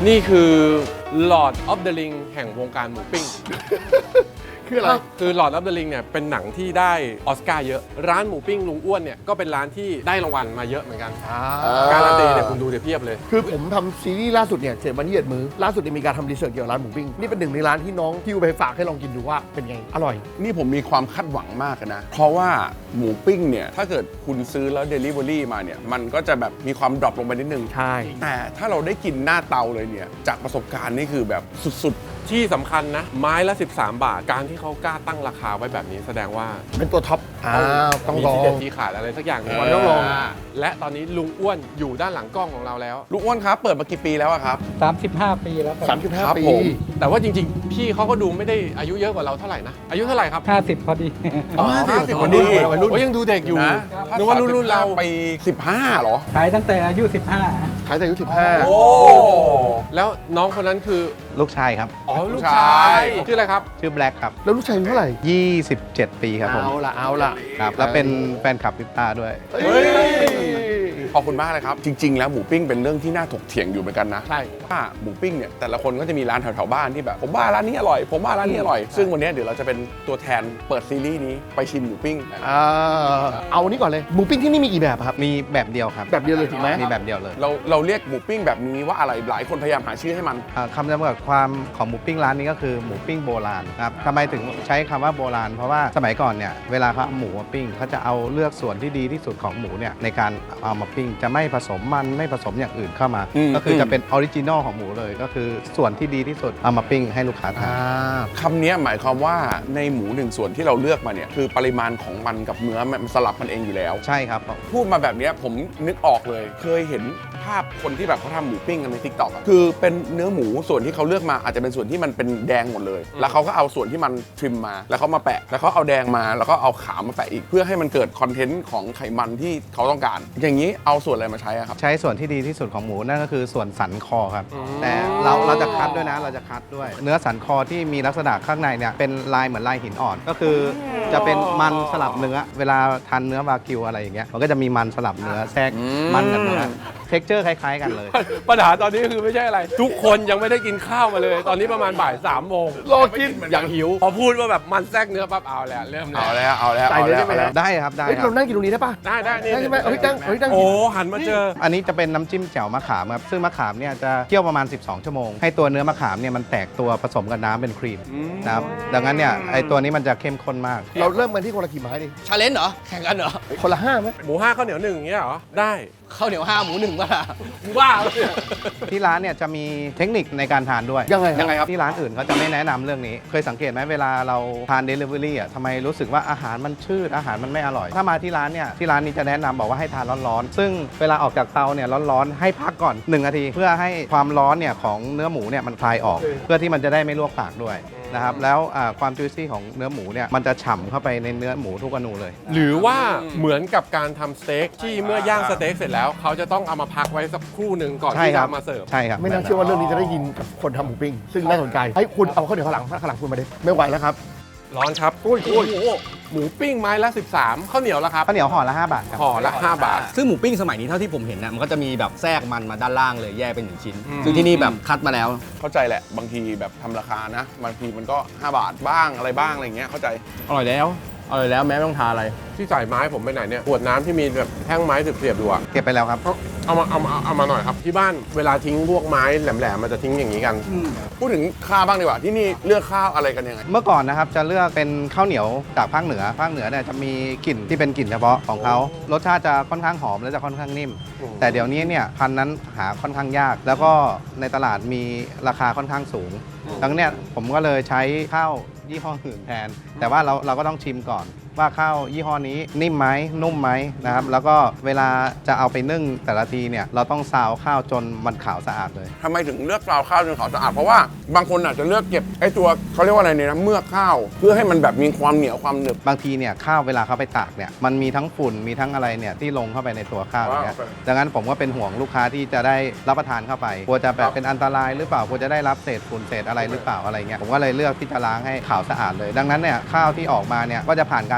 นี่คือ Lord of the Ring แห่งวงการหมูปิ้งคืออะไรคือ Lord of the Ring เนี่ยเป็นหนังที่ได้ออสการ์เยอะ ร้านหมูปิ้งลุงอ้วนเนี่ยก็เป็นร้านที่ได้รางวัลมาเยอะเหมือนกัน การันตีเนี่ยคุณดูเดี๋ยวเพียบเลยคือผมทำซีรีส์ล่าสุดเนี่ย7 วันที่ 7 มื้อล่าสุดเนี่ยมีการทำรีเสิร์ชเกี่ยวกับร้านหมูปิ้งนี่เป็นหนึ่งในร้านที่น้องที่ไปฝากให้ลองกินดูว่าเป็นไงอร่อยนี่ผมมีความคาดหวังมากนะ เพราะว่าหมูปิ้งเนี่ยถ้าเกิดคุณซื้อแล้ว Delivery มาเนี่ยมันก็จะแบบมีความดรอปลงไปนิดนึงใช่แต่ถ้าเราได้กินหน้าเตาเลยเนี่ยจากประสบการณ์นี่คือแบบสุดที่สำคัญนะ ไม้ละ 13 บาท การที่เขากล้าตั้งราคาไว้แบบนี้แสดงว่าเป็นตัวท็อปต้องมีลอที่เด็ดงที่ขาดอะไรสักอย่างหนึ่งต้องลองและตอนนี้ลุงอ้วนอยู่ด้านหลังกล้องของเราแล้วๆ ลูกอ้วนครับเปิดมากี่ปีแล้วอะครับ 35 ปีแล้วครับครับ 35 ปีผมแต่ว่าจริงๆ พี่เขาก็ดูไม่ได้อายุเยอะกว่าเราเท่าไหร่นะ อายุเท่าไหร่ครับ 50 พอดีอ๋อ 50 วัวัน นนี้นี้วัยรุ่นโอ้ยังดูเด็กอยู่นะนึกว่ารุ่นเราไป15เหรอขายตั้งแต่อายุขายแต่อายุโอ้แล้วน้องคนนั้นคือลูกชายครับอ๋อลูกลูกชาชาย ยชื่ออะไรครับชื่อแบล็กครับ 15 แล้วลูกชายอายุเท่าไหร่ 27 ปีครับผมเอาละครับ แล้วเป็นแฟนคลับพิปตาด้วยเฮ้ยขอบคุณมากเลยครับ จริง ๆ แล้วหมูปิ้งเป็นเรื่องที่น่าถกเถียงอยู่เหมือนกันนะใช่ว่าหมูปิ้งเนี่ยแต่ละคนก็จะมีร้านแถวๆบ้านที่แบบผมว่าร้านนี้อร่อย ผมว่าร้านนี้อร่อย ซึ่งวันนี้เดี๋ยวเราจะเป็นตัวแทนเปิดซีรีส์นี้ไปชิมหมูปิ้งเอานี้ก่อนเลยหมูปิ้งที่นี่มีกี่แบบอะครับมีแบบเดียวครับแบบเดียวเลยถูกไหมมีแบบเดียวเลยเราเรียกหมูปิ้งแบบนี้ว่าอะไรหลายคนพยายามหาชื่อให้มันคำจำกัดความของหมูปิ้งร้านนี้ก็คือหมูปิ้งโบราณครับทำไมถึงใช้คำว่าโบราณ เพราะว่าสมัยก่อนเนี่ยเวลาเขาเอาหมูมาปิ้งเขาจะเอาเลือกส่วนที่ดีที่สุดของหมูเนี่ยในการเอามาปิ้งจะไม่ผสมมันไม่ผสมอย่างอื่นเข้ามา ก็คือจะเป็นออริจินอลของหมูเลย ก็คือส่วนที่ดีที่สุดเอามาปิ้งให้ลูกค้าทานคำนี้หมายความว่าในหมูหนึ่งส่วนที่เราเลือกมาเนี่ยคือปริมาณของมันกับเนื้อมันสลับมันเองอยู่แล้วใช่ครับพูดมาแบบนี้ผมนึกออกเลย เคยเห็นภาพคนที่แบบเขาทำหมูปิ้งกันในทิกตอกคือเป็นเนื้อหมูส่วนที่เขาเลือกมาอาจจะเป็นส่วนที่มันเป็นแดงหมดเลย แล้วเขาก็เอาส่วนที่มันทริมมาแล้วเขามาแปะ แล้วเขาเอาแดงมาแล้วก็เอาขาวมาแปะอีก เพื่อให้มันเกิดคอนเทนต์ของไขมันที่เขาต้องการ อย่างนี้เอาส่วนอะไรมาใช้อะครับใช้ส่วนที่ดีที่สุดของหมูนั่นก็คือส่วนสันคอครับ แต่เราจะคัดด้วยนะเราจะคัดด้วย เนื้อสันคอที่มีลักษณะข้างในเนี่ยเป็นลายเหมือนลายหินอ่อน ก็คือจะเป็นมันสลับเนื้อ เวลาทานเนื้อวากิวอะไรอย่างเงี้ยมันก็จะมีมันสลับเนื้อแทรกมันกับเนื้อเท็กเจอร์คล้ายๆกันเลยปัญหาตอนนี้คือไม่ใช่อะไร ทุกคนยังไม่ได้กินข้าวมาเลย ตอนนี้ประมาณบ่าย3 โมงรอกินอย่างหิว พอพูดว่าแบบมันแทรกเนื้อปั๊บเอาแล้วเริ่มแล้เอาวแล้วเอาแล้วใส่เอาเลยแล้วได้ไหมเอาแล้วได้ครับได้เฮ้ยครัเราบนั่งกินตรงนี้ได้ปะได้นี่ได้ใช่ไหมเอาพี่ตั้งเอาพี่ตั้งโอ้หันมาเจออันนี้จะเป็นน้ำจิ้มแจ่วมะขามครับซึ่งมะขามเนี่ยจะเคี่ยวประมาณ 12 ชั่วโมง ให้ตัวเนื้อมะขามเนี่ยมันแตกตัวผสมกับน้ำเป็นครีมนะครับดังนั้นเนี่ยไอตัวนี้มันจะเข้มข้นมากเราเริ่มกันที่คนละกี่ไม้ดิชาเลนจ์เหรอ แข่งกันเหรอคนละ5ไหมหมู5ข้าวเหนียว1อย่างเงี้ยเหรอ ได้ข้าวเหนียว5หมู1ป่ะล่ะว้าวเลยที่ร้านเนี่ยจะมีเทคนิคในการทานด้วยยังไงยังไงครับที่ร้านอื่นเขาจะไม่แนะนำเรื่องนี้ เคยสังเกตไหมเวลาเราทาน Delivery อ่ะทำไมรู้สึกว่าอาหารมันชืดอาหารมันไม่อร่อย ถ้ามาที่ร้านเนี่ยที่ร้านนี้จะแนะนำบอกว่าให้ทานร้อนๆ ซึ่งเวลาออกจากเตาเนี่ยร้อนๆ ให้พักก่อน 1 นาที เพื่อให้ความร้อนเนี่ยของเนื้อหมูเนี่ยมันคลายออก เพื่อที่มันจะได้ไม่ลวกปากด้วยนะครับแล้วความจุยซี่ของเนื้อหมูเนี่ยมันจะฉ่ำเข้าไปในเนื้อหมูทุกอนูเลยหรือว่าเหมือนกับการทำสเต็กที่เมื่อย่างสเต็กเสร็จแล้ว เขาจะต้องเอามาพักไว้สักครู่หนึ่งก่อนใช่ที่คจะรับเอามาเสิร์ฟใช่ครับไม่น่าเชื่อว่าเรื่องนี้จะได้ยินกับคนทำหมูปิ้งซึ่งน่าสนใจให้คุณเอาข้าวเหนียวข้างหลังคุณมาดิไม่ไหวแล้วครับร้อนครับโอ้ยโอ้โหหมูปิ้งไม้ละ 13ข้าวเหนียวละครับข้าวเหนียวห่อละ5 บาทครับห่อละ 5 บาทซึ่งหมูปิ้งสมัยนี้เท่าที่ผมเห็นนะมันก็จะมีแบบแทรกมันมาด้านล่างเลยแยกเป็น1 ชิ้นอืมซึ่งที่นี่แบบคัดมาแล้วเข้าใจแหละบางทีแบบทำราคานะบางทีมันก็5 บาทบ้างอะไรบ้างอะไรอย่างเงี้ยเข้าใจอร่อยแล้วแม้ไม่ต้องทาอะไรที่ใส่ไม้ผมไปไหนเนี่ยขวดน้ำที่มีแบบแท่งไม้เสียบๆอยู่อะเก็บไปแล้วครับเอามาหน่อยครับ ที่บ้านเวลาทิ้งพวกไม้แหลมๆมันจะทิ้งอย่างนี้กันพูดถึงข้าวบ้างดีกว่าที่นี่เลือกข้าวอะไรกันยังไงเมื่อก่อนนะครับจะเลือกเป็นข้าวเหนียวจากภาคเหนือเนี่ยจะมีกลิ่นที่เป็นกลิ่นเฉพาะของเขารสชาติจะค่อนข้างหอมและจะค่อนข้างนิ่ม แต่เดี๋ยวนี้เนี่ยพันธุ์นั้นหาค่อนข้างยาก แล้วก็ในตลาดมีราคาค่อนข้างสูงดังนั้นเนี่ยผมก็เลยใช้ข้าวยี่ห้ออื่นแทน แต่ว่าเราก็ต้องชิมก่อนว่าข้าวยี่ห้อนี้นิ่มไหมนุ่มไหมนะครับแล้วก็เวลาจะเอาไปนึ่งแต่ละทีเนี่ยเราต้องซาวข้าวจนมันขาวสะอาดเลยทำไมถึงเลือกซาวข้าวจนขาวสะอาดเพราะว่าบางคนอาจจะเลือกเก็บไอ้ตัวเขาเรียกว่าอะไรเนี่ยนะเมือกข้าวเพื่อให้มันแบบมีความเหนียวความหนึบบางทีเนี่ยข้าวเวลาเขาไปตากเนี่ยมันมีทั้งฝุ่นมีทั้งอะไรเนี่ยที่ลงเข้าไปในตัวข้าวอย่างเงี้ยโอเคดังนั้นผมก็เป็นห่วงลูกค้าที่จะได้รับประทานเข้าไปกลัวจะแบบเป็นอันตรายหรือเปล่ากลัวจะได้รับเศษฝุ่นเศษอะไรหรือเปล่าอะไรเงี้ยผมก็เลยเลือกที่จะล้างให้ขาวสะอาดเลย ดังนั้นเนี่ยข้าวที่ออกมาเนี่ยก็จะผ่านการ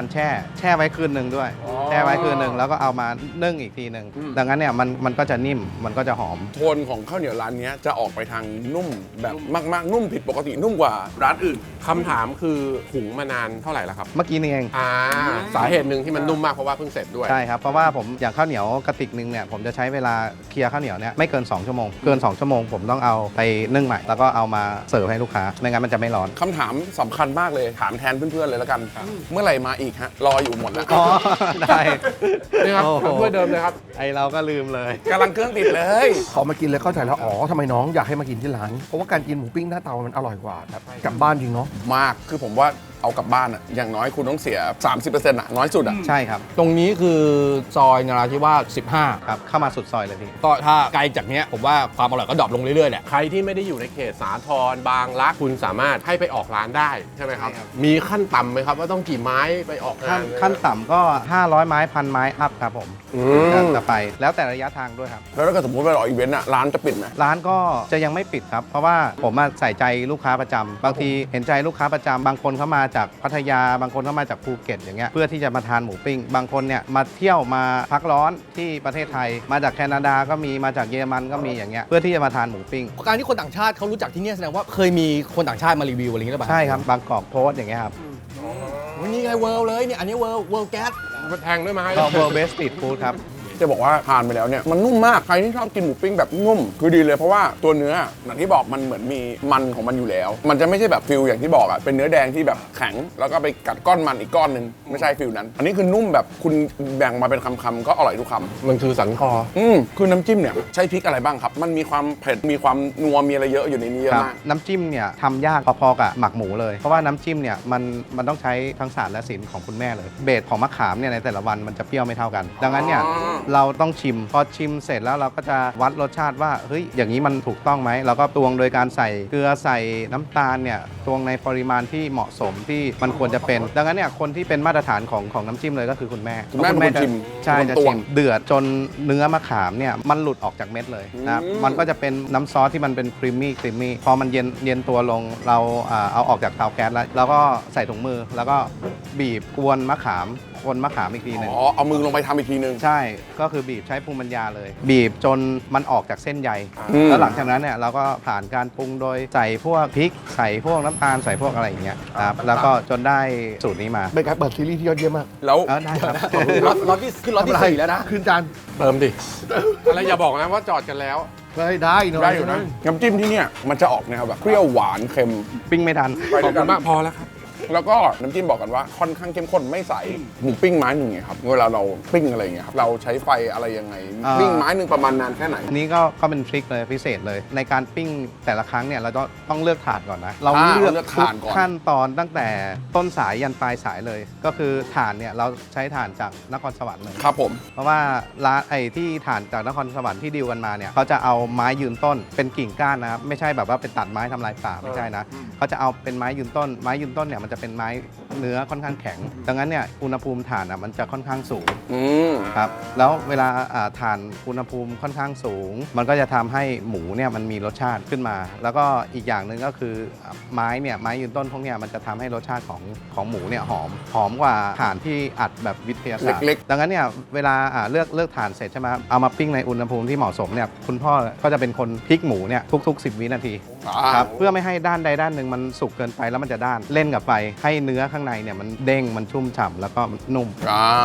การแช่ไว้คืนหนึ่งด้วย แช่ไว้คืนหนึ่งแล้วก็เอามานึ่งอีกทีหนึ่งดังนั้นเนี่ยมันก็จะนิ่มมันก็จะหอมโทนของข้าวเหนียวร้านเนี้ยจะออกไปทางนุ่มแบบมากๆนุ่มผิดปกตินุ่มกว่าร้านอื่นคำถามคือหุงมานานเท่าไหร่แล้วครับเมื่อกี้นี่เองสาเหตุหนึ่งที่มันนุ่มมากเพราะว่าเพิ่งเสร็จด้วยใช่ครับเพราะว่าผมอย่างข้าวเหนียวกระติกหนึงเนี่ยผมจะใช้เวลาเคลียร์ข้าวเหนียวเนี่ยไม่เกิน2 ชั่วโมงเกิน2 ชั่วโมงผมต้องเอาไปนึ่งใหม่แล้วก็เอามาเสิร์ฟให้ลูกค้าไม่งั้นมันจะไม่ร้อนคำถามสำคัญมากเลยถามแทนเพื่อนๆเลยแล้วกัน เมื่อไหร่มาอีกฮะรออยู่หมดแล้วอ๋อได้นี่ครับโอ้โหถ้วยเดิมเลยครับไอเราก็ลืมเลยกำลังเครื่องติดเลยพอมากินแล้วเข้าใจแล้วอ๋อทำไมน้องอยากให้มากินที่ร้านเพราะว่าการกินหมูปิ้งหน้าเตามันอร่อยกว่าแบบกลับบ้านจริงเนาะมากคือผมว่าเอากลับบ้านอะอย่างน้อยคุณต้องเสีย 30%อะน้อยสุดอะใช่ครับตรงนี้คือซอยนราธิวาส15 ครับเข้ามาสุดซอยเลยพี่ก็ถ้าไกลจากเนี้ยผมว่าความอร่อยก็ดรอปลงเรื่อยๆแหละใครที่ไม่ได้อยู่ในเขตสาทรบางรักคุณสามารถให้ไปออกร้านได้ใช่ไหมครับใช่ครับมีขั้นต่ำไหมครับว่าต้องกี่ไม้ไปออกงานขั้นต่ำก็ 500 ไม้1,000 ไม้อัพครับผมอืมจะไปแล้วแต่ระยะทางด้วยครับแล้วถ้าเกิดสมมติไปออกอีเวนต์อะร้านจะปิดไหมร้านก็จะยังไม่ปิดครับ เพราะว่าผมใส่ใจลูกค้าประจำบางทีเห็นใจลูกค้าประจำบางคนเขามาจากพัทยาบางคนเขามาจากภูเก็ตอย่างเงี้ยเพื่อที่จะมาทานหมูปิ้งบางคนเนี่ยมาเที่ยวมาพักร้อนที่ประเทศไทย มาจากแคนาดาก็มีมาจากเยอรมันก็มีอย่างเงี้ยเพื่อที่จะมาทานหมูปิ้งการที่คนต่างชาติเขารู้จักที่เนี่ยแสดงว่าเคยมีคนต่างชาติมารีวิวอะไรอย่างเงี้ยหรือเปล่าใช่ครับบางกอกโพสต์อย่างเงี้ยครับวันนี้ไงเวิร์ลเลยเนี่ยอันนี้เวิร์ลแก๊สแทงด้วยไม้ก็ World Best Street Food ครับจะบอกว่าทานไปแล้วเนี่ยมันนุ่มมากใครที่ชอบกินหมูปิ้งแบบนุ่มคือดีเลยเพราะว่าตัวเนื้ออย่างที่บอกมันเหมือนมีมันของมันอยู่แล้ว มันจะไม่ใช่แบบฟิลอย่างที่บอกอะเป็นเนื้อแดงที่แบบแข็งแล้วก็ไปกัดก้อนมันอีกก้อนหนึ่งไม่ใช่ฟิลนั้น อันนี้คือนุ่มแบบคุณแบ่งมาเป็นคำๆก็อร่อยทุกคำมันคือสันคอคือน้ำจิ้มเนี่ยใช้พริกอะไรบ้างครับ มันมีความเผ็ดมีความนัวมีอะไรเยอะอยู่ในนี้เยอะครับมากน้ำจิ้มเนี่ยทำยากพอๆกับหมักหมูเลย เพราะว่าน้ำจิ้มเนี่ยมันต้องใช้ทั้งศาสตร์และศิลป์ของคุณแม่เลย เบสของมะขามเนี่ยในแต่ละวันมันจะเปรี้ยวไม่เท่ากัน ดังนั้นเนี่ยอ๋อเราต้องชิมพอชิมเสร็จแล้วเราก็จะวัดรสชาติว่าเฮ้ยอย่างนี้มันถูกต้องไหมเราก็ตวงโดยการใส่เกลือใส่น้ำตาลเนี่ยตวงในปริมาณที่เหมาะสมที่มันควรจะเป็น ดังนั้นเนี่ยคนที่เป็นมาตรฐานของน้ำจิ้มเลยก็คือคุณแม่คุณแม่เป็นคนชิมใช่เป็นจะคนตวชิงมเดือดจนเนื้อมะขามเนี่ยมันหลุดออกจากเม็ดเลยนะครับมันก็จะเป็นน้ำซอสที่มันเป็นครีมมี่พอมันเย็นตัวลงเราเอาออกจากเตาแก๊สแล้วก็ใส่ถุงมือแล้วก็บีบกวนมะขามอีกทีหนึงอ๋อเอามือลงไปทำอีกทีนึงใช่ก็คือบีบใช้ภูมิปัญญาเลย บีบจนมันออกจากเส้นใยอืมแล้วหลังจากนั้นเนี่ยเราก็ผ่านการปรุงโดยใส่พวกพริกใส่พวกน้ำตาลใส่พวกอะไรอย่างเงี้ยครับแล้วก็จนได้สูตรนี้มาเป็นการเปิดซีรีส์ที่ยอดเยี่ยมมากแล้วได้ครับล็อตที่ขึ้นล็อตที่4แล้วนะขึ้นจานเติมดิ อะไรอย่าบอกนะว่าจอดกันแล้วได้เนอะได้อยู่นะน้ำจิ้มที่เนี่ยมันจะออกแนวแบบเปรี้ยวหวานเค็มปิ้งไม่ทันไปขด้อวบยกัคุนณมากพอแล้วครับแล้วก็น้ำจิ้มบอกกันว่าค่อนข้างเข้มข้นไม่ใสหมูปิ้งไม้หนึ่งไงครับเวลาเราปิ้งอะไรอย่างเงี้ยครับเราใช้ไฟอะไรยังไไง ปิ้งไม้หนึ่งประมาณนานแค่ไหนอันนี้ก็เป็นทริคเลยพิเศษเลย ในการปิ้งแต่ละครั้งเนี่ยเราต้องเลือกถ่านก่อนนะ เราอ่าเลือกเลือกทุถ่านก่อนขั้นตอนตั้งแต่ต้นสายยันปลายสายเลย ก็คือถ่านเนี่ยเราใช้ถ่านจากนครสวรรค์เลยครับผมเพราะว่าร้านที่ถ่านจากนครสวรรค์ที่ดีลกันมาเนี่ยเขาจะเอาไม้ยืนต้นเป็นกิ่งก้านนะครับไม่ใช่แบบว่าเป็นตัดไม้ทำลายป่าไม่ใช่นะเขาจะเอาเป็นไม้ยืนต้นเนี่ยมันจะเป็นไม้เนื้อค่อนข้างแข็ง ดังนั้นเนี่ยอุณหภูมิถ่านมันจะค่อนข้างสูงอืมครับแล้วเวลาถ่านอุณหภูมิค่อนข้างสูง มันก็จะทำให้หมูเนี่ยมันมีรสชาติขึ้นมา แล้วก็อีกอย่างหนึ่งก็คือไม้ยืนต้นพวกเนี้ยมันจะทำให้รสชาติของหมูเนี่ยหอมกว่าถ่านที่อัดแบบวิทยาศาสตร์เล็กดังนั้นเนี่ยเวลาเลือกถ่านเสร็จใช่ไหมเอามาปิ้งในอุณหภูมิที่เหมาะสมเนี่ยคุณพ่อก็จะเป็นคนพลิกหมูเนี่ยทุก ๆ 10 วินาที ครับเพื่อไม่ให้ด้านใดด้านหนึ่งมันสุกเกินไปแล้วมันจะด้านเล่นกับไฟให้เนื้อข้างในเนี่ยมันเด้งมันชุ่มฉ่ำแล้วก็มันนุ่มอ้าว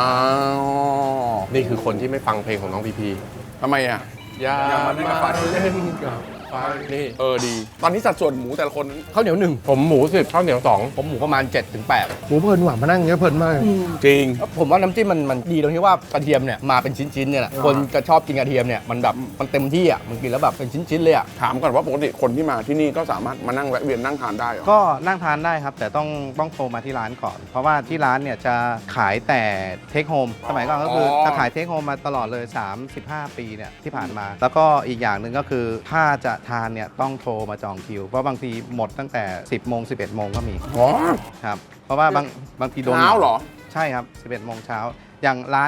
นี่คือคนที่ไม่ฟังเพลงของน้องพีพีทำไมอ่ะอย่ามาเล่นกับไฟนี่ดี ตอนนี้สัดส่วนหมูแต่ละคนข้าวเหนียวหนึ่งผมหมู10ข้าวเหนียว2 ผมหมูประมาณ 7-8 หมูเพลินหวานมานั่งอย่างเงี้ยเพลินมากจริงผมว่าน้ำจิ้มมันดีตรงที่ว่ากระเทียมเนี่ยมาเป็นชิ้นๆเนี่ยแหละคนจะชอบกินกระเทียมเนี่ยมันแบบมันเต็มที่อ่ะมันกินแล้วแบบเป็นชิ้นๆเลยอ่ะถามก่อนว่าปกติคนที่มาที่นี่ก็สามารถมานั่งแวะเวียนนั่งทานได้เหรอก็นั่งทานได้ครับ แต่ต้องโทรมาที่ร้านก่อน เพราะว่าที่ร้านเนี่ยจะขายแต่เทคโฮมสมัยก่อนก็คือจะขายเทคโฮมมาตลอดเลย 35 ปีเนี่ยที่ผ่านมา แล้วก็อีกอย่างหนึ่งก็คือถ้าจะทานเนี่ยต้องโทรมาจองคิว เพราะบางทีหมดตั้งแต่ 10 โมง 11 โมงก็มีอ๋อครับเพราะว่าบางทีโดนเช้าเหรอใช่ครับ 11 โมงเช้าอย่างร้านเนี่ย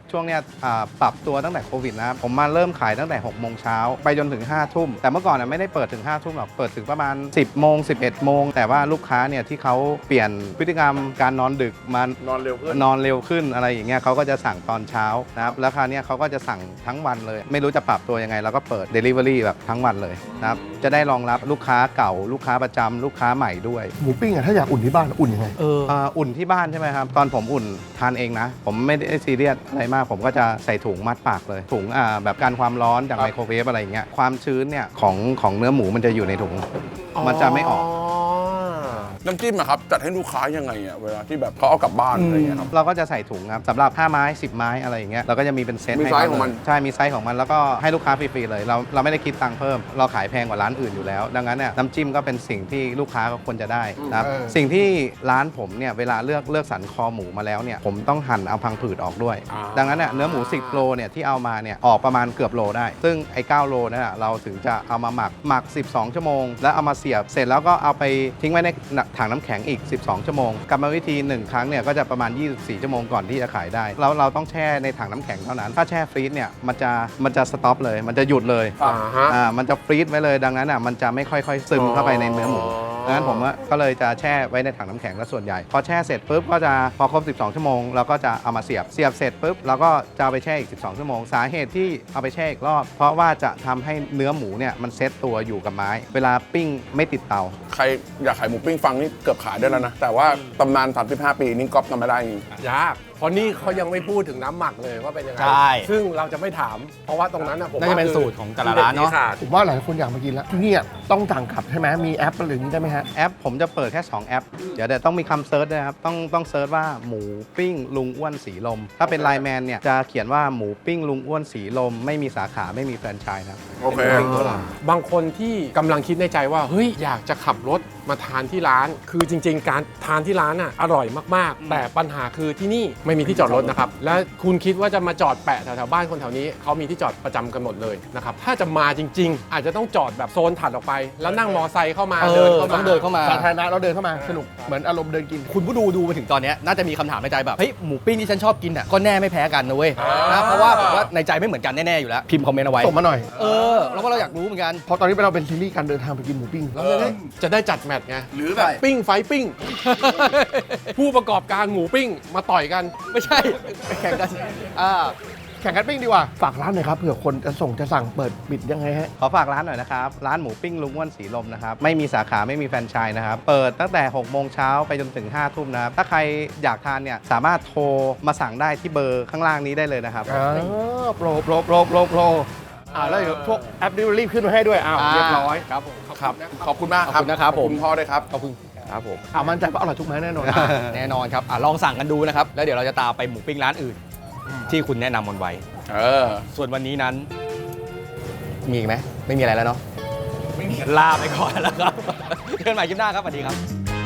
ช่วงเนี้ยปรับตัวตั้งแต่โควิดนะครับผมมาเริ่มขายตั้งแต่6โมงเช้าไปจนถึง5ทุ่มแต่เมื่อก่อนไม่ได้เปิดถึง5ทุ่มหรอกเปิดถึงประมาณ10โมง11โมงแต่ว่าลูกค้าเนี่ยที่เขาเปลี่ยนพฤติกรรมการนอนดึกมานอนเร็วขึ้นอะไรอย่างเงี้ยเขาก็จะสั่งตอนเช้านะครับแล้วคราวนี้เขาก็จะสั่งทั้งวันเลยไม่รู้จะปรับตัวยังไงเราก็เปิด Delivery แบบทั้งวันเลยนะครับจะได้รองรับลูกค้าเก่าลูกค้าประจำลูกค้าใหม่ด้วยหมูปิ้งอะถ้าอยากอุ่นที่บ้านอุ่นยังไงอุ่นที่บ้านใช่ไหมครับตอนผมอุ่นทานเองนะผมไม่ได้ซีเรียสอะไรมากผมก็จะใส่ถุงมัดปากเลยถุงแบบการความร้อนจากไมโครเวฟอะไรอย่างเงี้ยความชื้นเนี่ยของเนื้อหมูมันจะอยู่ในถุงมันจะไม่ออกน้ำจิ้มอะครับจัดให้ลูกค้ายังไงอะเวลาที่แบบเขาเอากลับบ้านอะไรอย่างเงี้ยครับเราก็จะใส่ถุงครับสำหรับ5ไม้10ไม้อะไรอย่างเงี้ยเราก็จะมีเป็นเซตมีให้ไซส์เขาของมันใช่มีไซส์ของมันแล้วก็ให้ลูกค้าฟรีๆเลยเราไม่ได้คิดตังค์เพิ่มเราขายแพงกว่าร้านอื่นอยู่แล้วดังนั้นเนี่ยน้ำจิ้มก็เป็นสิ่งที่ลูกค้าก็ควรจะได้นะครับสิ่งที่ร้านผมเนี่ยเวลาเลือกสรรคอหมูมาแล้วเนี่ยผมต้องหั่นเอาพังผืดออกด้วย ดังนั้นเนี่ยเนื้อหมู10โลเนี่ยที่เอามาเนี่ยออกประมาณเกือบโลได้ซึ่งไอ้9โลนั่นน่ะเราถึงจะเอามาหมัก12ชั่วโมงแล้วเอามาเสียบเสร็จแล้วก็เอาไปทิ้งไว้ในถังน้ำแข็งอีก12ชั่วโมงกรรมวิธี1ครั้งเนี่ยก็จะประมาณ24ชั่วโมงก่อนที่จะขายได้แล้วเราต้องแช่ในถังน้ำแข็งเท่านั้นถ้าแช่ฟรีซเนี่ยมันจะสต็อปเลยมันจะหยุดเลย มันจะฟรีซไว้เลยดังนั้นมันจะไม่ค่อยๆซึมเข้าไปในเนื้อหมูดังนั้นผมก็เลยจะแช่ไว้ในถังน้ำแข็งและส่วนใหญ่พอแช่เสร็จปุ๊บก็จะพอครบ12ชั่วโมงเราก็จะเอามาเสียบเสร็จปุ๊บเราก็จะเอาไปแช่อีก12ชั่วโมงสาเหตุที่เอาไปแช่อีกรอบเพราะว่าจะทำให้เนื้อหมูเนี่ยมันเซ็ตตัวอยู่กับไม้เวลาปิ้งไม่ติดเตาใครอยากขายหมูปิ้งฟังนี่เกือบขายได้แล้วนะแต่ว่าตำนาน35 ปีนี่ก๊อปทำไม่ได้จริงยากเพราะนี่เขายังไม่พูดถึงน้ำหมักเลยว่าเป็นยังไงใช่ซึ่งเราจะไม่ถาม เพราะว่าตรงนั้นนะผมน่าจะเป็นสูตรของแต่ละร้านเนอะผมว่าหลายคนอยากมากินแล้วที่นี่อะต้องสั่งกลับใช่ไหมมีแอปอะไรอย่างนี้ได้ไหมฮะแอปผมจะเปิดแค่2แอปเดี๋ยวต้องมีคำเซิร์ชด้วยครับต้องเซิร์ชว่าหมูปิ้งลุงอ้วนสีลมถ้าเป็นไลน์แมนเนี่ยจะเขียนว่าหมูปิ้งลุงอ้วนสีลมไม่มีสาขาไม่มีแฟรนไชส์ครับโอเคบางคนที่กำลังคิดในใจว่าเฮ้ยอยากจะขับรถมาทานที่ร้าน คือจริง ๆ การทานที่ร้านอ่ะอร่อยมากๆ แต่ปัญหาคือที่นี่ไม่มีที่จอดรถนะครับและคุณคิดว่าจะมาจอดแปะแถวๆบ้านคนแถวนี้เขามีที่จอดประจำกันหมดเลยนะครับถ้าจะมาจริง ๆ อาจจะต้องจอดแบบโซนถัดออกไป แล้วนั่งมอไซค์เข้ามาเดินเข้าต้มาองเดินเข้ามาสาธารณะเราเดินเข้ามาสนุกเหมือนอารมณ์เดินกินคุณผู้ดูมาถึงตอนเนี้ยน่าจะมีคำถามในใจแบบเฮ้ยหมูปิ้งที่ฉันชอบกินอ่ะก็แน่ไม่แพ้กันนะเว้ยนะเพราะว่าผมว่าในใจไม่เหมือนกันแน่ๆอยู่แล้วพิมพ์คอมเมนต์เอาไว้ส่งมาหน่อยแล้วก็เราอยากรู้เหมือนกันเพราะตอนนี้เราเป็นซีรีส์การเดินทางไปกินหมูปิ้งเราจะได้จัดแมตช์ไงหรือแบบปิ้งไฟปิ้ง ผู้ประกอบการหมูปิ้งมาต่อยกันไม่ใช่ไปแข่งกันแข่งกันปิ้งดีกว่าฝากร้านหน่อยครับเผื่อคนจะสั่งเปิดปิดยังไงฮะขอฝากร้านหน่อยนะครับร้านหมูปิ้งลุงอ้วนสีลมนะครับไม่มีสาขาไม่มีแฟรนไชส์นะครับเปิดตั้งแต่6โมงเช้าไปจนถึง5ทุ่มนะครับถ้าใครอยากทานเนี่ยสามารถโทรมาสั่งได้ที่เบอร์ข้างล่างนี้ได้เลยนะครับโปรแล้วเดี๋ยวพวกแอปดิวรีบขึ้นมาให้ด้วยเรียบร้อยครับผมครับขอบคุณมากครับขอบคุณนะครับขอบคุณพ่อด้วยครับขอบคุณครับผมมั่นใจว่าอร่อยทุกไม้แน่นอนแน่นอนครับลองสั่งกันดูนะครับแล้วเดี๋ยวเราจะตามไปหมูปิ้งร้านอื่น ที่คุณแนะนำมันไว้ ส่วนวันนี้นั้น มีอีกไหมไม่มีอะไรแล้วเนาะลาไปก่อนแล้วครับเจอกันใหม่คลิปหน้าครับสวัสดีครับ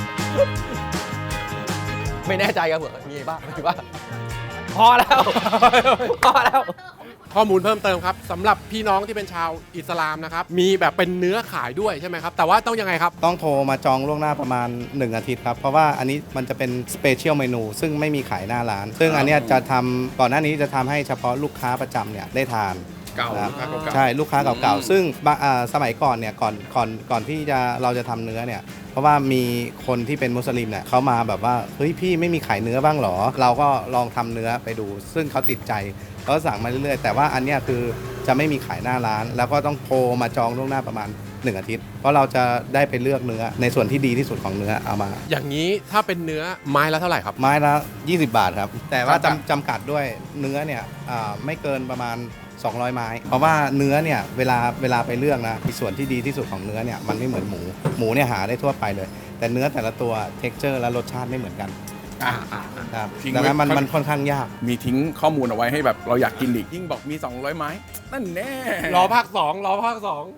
ไม่แน่ใจครับเผื่อมีบ้างไม่บ้างพอแล้ว พอแล้วข้อมูลเพิ่มเติมครับสำหรับพี่น้องที่เป็นชาวอิสลามนะครับมีแบบเป็นเนื้อขายด้วยใช่ไหมครับแต่ว่าต้องยังไงครับต้องโทรมาจองล่วงหน้าประมาณ1อาทิตย์ครับเพราะว่าอันนี้มันจะเป็นสเปเชียลเมนูซึ่งไม่มีขายหน้าร้าน ซึ่งอันเนี้ยจะทำก่อนหน้านี้จะทำให้เฉพาะลูกค้าประจำเนี่ยได้ทานเก่านะครับลูกค้าเก่าๆใช่ลูกค้าเก่าๆซึ่งสมัยก่อนเนี่ยก่อนที่เราจะทำเนื้อเนี่ยเพราะว่ามีคนที่เป็นมุสลิมเนี่ยเขามาแบบว่าเฮ้ยพี่ไม่มีขายเนื้อบ้างเหรอเราก็ลองทำเนื้อไปดู ซึ่งเขาติดใจเขาสั่งมาเรื่อยๆแต่ว่าอันเนี้ยคือจะไม่มีขายหน้าร้าน แล้วก็ต้องโทรมาจองล่วงหน้าประมาณ1อาทิตย์เพราะเราจะได้ไปเลือกเนื้อในส่วนที่ดีที่สุดของเนื้อเอามาอย่างนี้ถ้าเป็นเนื้อไม้ละเท่าไหร่ครับไม้ละ20 บาทครับแต่ว่าจำกัดด้วยเนื้อเนี่ยไม่เกินประมาณ200 ไม้เพราะว่าเนื้อเนี่ยเวลาไปเลือกนะส่วนที่ดีที่สุดของเนื้อเนี่ยมันไม่เหมือนหมูเนี่ยหาได้ทั่วไปเลยแต่เนื้อแต่ละตัว texture และรสชาติไม่เหมือนกันครับทิ้งดังไว้นั้นมันค่อนข้างยากมีทิ้งข้อมูลเอาไว้ให้แบบเราอยากกินอีกยิ่งบอกมี200 ไม้นั่นแน่รอภาค 2 รอภาค 2